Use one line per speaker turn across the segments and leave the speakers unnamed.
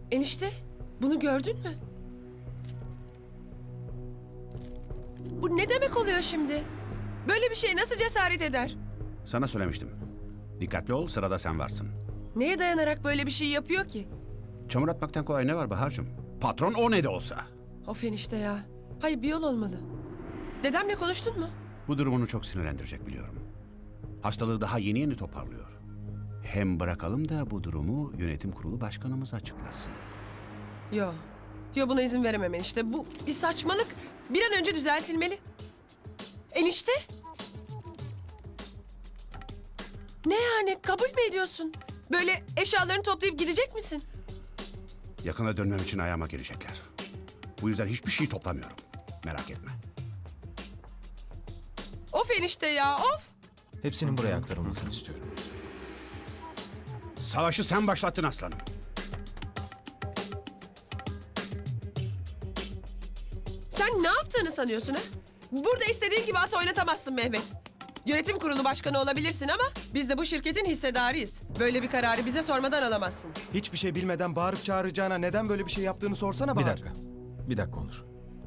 Enişte, bunu gördün mü? Bu ne demek oluyor şimdi? Böyle bir şeye nasıl cesaret eder?
Sana söylemiştim. Dikkatli ol, sırada sen varsın.
Neye dayanarak böyle bir şey yapıyor ki?
Çamur atmaktan kolay ne var Bahar'cığım? Patron o ne de olsa.
Of enişte ya. Hayır, bir yol olmalı. Dedemle konuştun mu?
Bu durum onu çok sinirlendirecek biliyorum. Hastalığı daha yeni yeni toparlıyor. Hem bırakalım da bu durumu yönetim kurulu başkanımız açıklasın.
Yo. Yo, buna izin veremem enişte. Bu bir saçmalık. Bir an önce düzeltilmeli. Enişte? Ne yani? Kabul mü ediyorsun? Böyle eşyalarını toplayıp gidecek misin?
Yakına dönmem için ayağıma gelecekler. Bu yüzden hiçbir şey toplamıyorum. Merak etme.
Of enişte ya, of!
Hepsinin buraya aktarılmasını istiyorum.
Savaşı sen başlattın aslanım.
Sen ne yaptığını sanıyorsun ha? Burada istediğin gibi at oynatamazsın Mehmet. Yönetim kurulu başkanı olabilirsin ama biz de bu şirketin hissedarıyız. Böyle bir kararı bize sormadan alamazsın.
Hiçbir şey bilmeden bağırıp çağıracağına neden böyle bir şey yaptığını sorsana
Bir
Bahar.
dakika. Bir dakika Onur.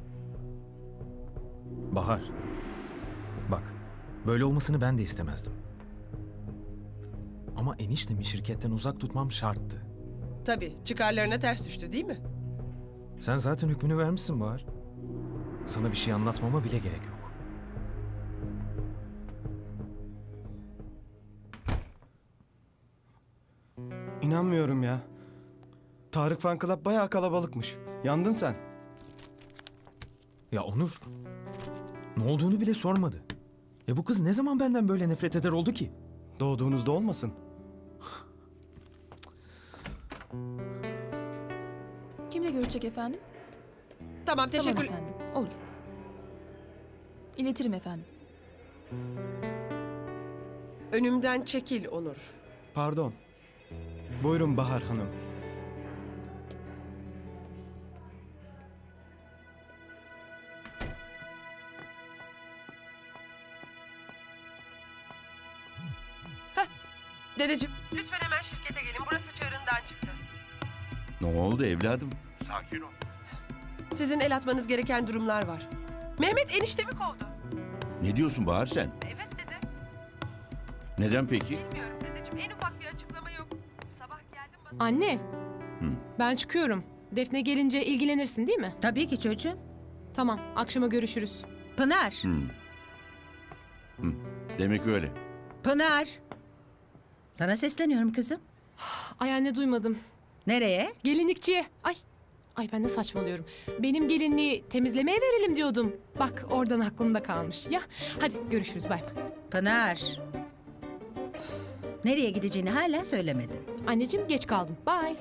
Bahar. Bak, böyle olmasını ben de istemezdim. Ama eniştemi şirketten uzak tutmam şarttı.
Tabii, çıkarlarına ters düştü değil mi?
Sen zaten hükmünü vermişsin Bahar. Sana bir şey anlatmama bile gerek yok.
İnanmıyorum ya. Tarık Fan Club bayağı kalabalıkmış. Yandın sen.
Ya Onur, ne olduğunu bile sormadı. Ya bu kız ne zaman benden böyle nefret eder oldu ki?
Doğduğunuzda olmasın.
Kimle görüşecek efendim?
Tamam, teşekkür...
Tamam efendim. Olur. İletirim efendim.
Önümden çekil Onur.
Pardon. Buyurun Bahar Hanım.
Dedeciğim, lütfen hemen şirkete gelin. Burası çığırından çıktı.
Ne oldu evladım?
Sizin el atmanız gereken durumlar var. Mehmet eniştemi kovdu.
Ne diyorsun Bahar sen?
Evet dede.
Neden peki?
Bilmiyorum dedeciğim. En ufak bir açıklama yok. Sabah geldim bana...
Anne, ben çıkıyorum. Defne gelince ilgilenirsin değil mi?
Tabii ki çocuğum.
Tamam, akşama görüşürüz.
Pınar.
Demek öyle.
Pınar. Sana sesleniyorum kızım.
Ay anne duymadım.
Nereye?
Gelinlikçiye. Ay ben de saçmalıyorum. Benim gelinliği temizlemeye verelim diyordum. Bak oradan aklımda kalmış. Ya hadi görüşürüz bay bay.
Pınar. Nereye gideceğini hala söylemedin.
Anneciğim geç kaldım. Bye.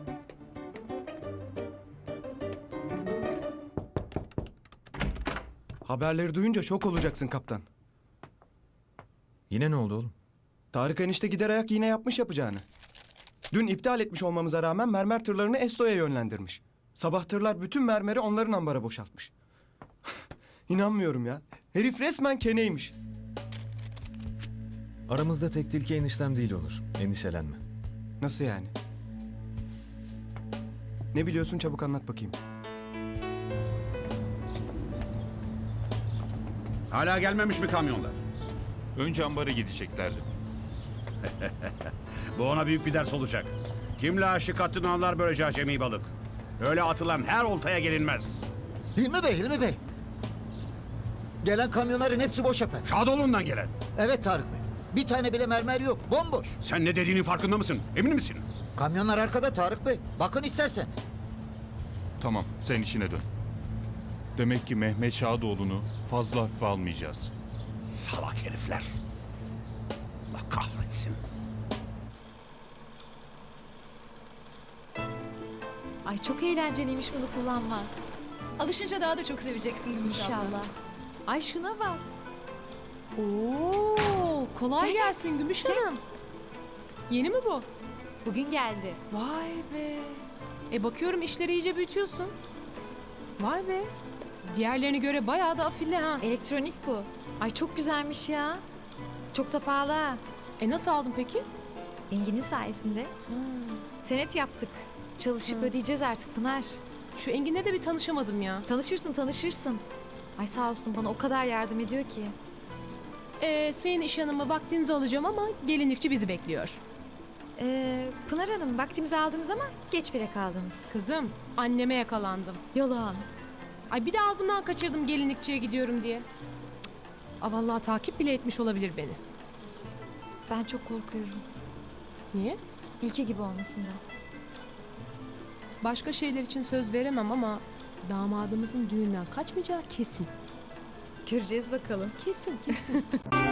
Haberleri duyunca şok olacaksın kaptan.
Yine ne oldu oğlum?
Tarık enişte gider ayak yine yapmış yapacağını. Dün iptal etmiş olmamıza rağmen mermer tırlarını Esto'ya yönlendirmiş. Sabah tırlar bütün mermeri onların ambara boşaltmış. İnanmıyorum ya. Herif resmen keneymiş.
Aramızda tek tilki eniştem değil Onur. Endişelenme.
Nasıl yani? Ne biliyorsun çabuk anlat bakayım.
Hala gelmemiş mi kamyonlar?
Önce ambara gideceklerdi.
Bu ona büyük bir ders olacak. Kimle aşık attığını anlar böylece acemi balık. Öyle atılan her oltaya gelinmez.
Hilmi Bey. Gelen kamyonların hepsi boş efendim.
Şadoğlu'ndan gelen.
Evet Tarık Bey. Bir tane bile mermer yok. Bomboş.
Sen ne dediğinin farkında mısın? Emin misin?
Kamyonlar arkada Tarık Bey. Bakın isterseniz.
Tamam, sen işine dön. Demek ki Mehmet Şadoğlu'nu fazla hafife almayacağız.
Salak herifler. Allah kahretsin.
Ay çok eğlenceliymiş bunu kullanmak.
Alışınca daha da çok seveceksin Gümüş abla.
İnşallah. Ay şuna bak.
Oo, kolay gelsin Gümüş Hanım. Yeni mi bu?
Bugün geldi.
Vay be. Bakıyorum işleri iyice büyütüyorsun. Vay be. Diğerlerine göre bayağı da afilli ha.
Elektronik bu. Ay çok güzelmiş ya. Çok da pahalı ha.
Nasıl aldın peki?
Engin'in sayesinde. Senet yaptık. Çalışıp ödeyeceğiz artık Pınar.
Şu Engin'le de bir tanışamadım ya.
Tanışırsın. Ay sağ olsun bana o kadar yardım ediyor ki.
Sayın iş hanımı vaktinizi alacağım ama gelinlikçi bizi bekliyor.
Pınar Hanım vaktimizi aldınız ama geç bile kaldınız.
Kızım, anneme yakalandım.
Yalan.
Ay bir de ağzımdan kaçırdım gelinlikçiye gidiyorum diye. Vallahi takip bile etmiş olabilir beni.
Ben çok korkuyorum.
Niye?
İlki gibi olmasından.
Başka şeyler için söz veremem ama damadımızın düğünden kaçmayacağı kesin.
Göreceğiz bakalım.
Kesin.